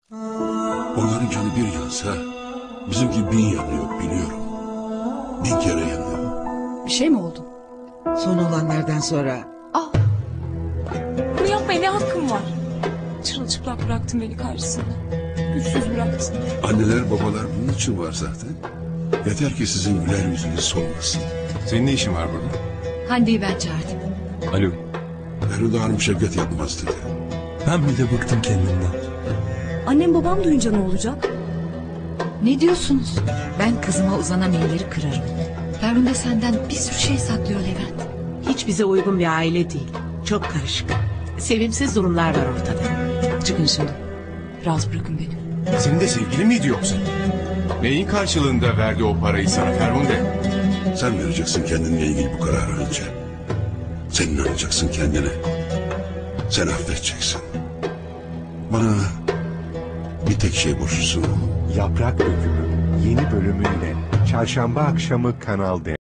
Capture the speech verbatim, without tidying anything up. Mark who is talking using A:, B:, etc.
A: Onların canı bir yansa bizimki bin yanıyor biliyorum. Bin kere yanıyor.
B: Bir şey mi oldu?
C: Son olanlardan sonra
B: Ah! Bunu yapmaya ne hakkım var? Çırılçıplak bıraktın beni karşısında. Güçsüz bıraktın.
A: Anneler babalar bunun için var zaten. Yeter ki sizin güler yüzünüz solmasın.
D: Senin ne işin var burada?
E: Hande'yi ben çağırdım.
D: Alo.
A: Feride Hanım Şevket yapmaz dedi.
D: Ben bile bıktım kendimden.
F: Annem babam duyunca ne olacak?
E: Ne diyorsunuz? Ben kızıma uzanan elleri kırarım. Ferhunde senden bir sürü şey saklıyor Levent.
G: Hiç bize uygun bir aile değil. Çok karışık. Sevimsiz durumlar var ortada.
B: Çıkın şimdi. Rahat bırakın beni.
D: Senin de sevgilin miydi yoksa? Neyin karşılığında verdi o parayı sana Ferhunde?
A: Sen vereceksin kendinle ilgili bu kararı önce. Sen inanacaksın kendine. Sen affedeceksin. Bana bir tek şey borçlusun.
H: Yaprak Dökümü yeni bölümüyle çarşamba akşamı Kanal D.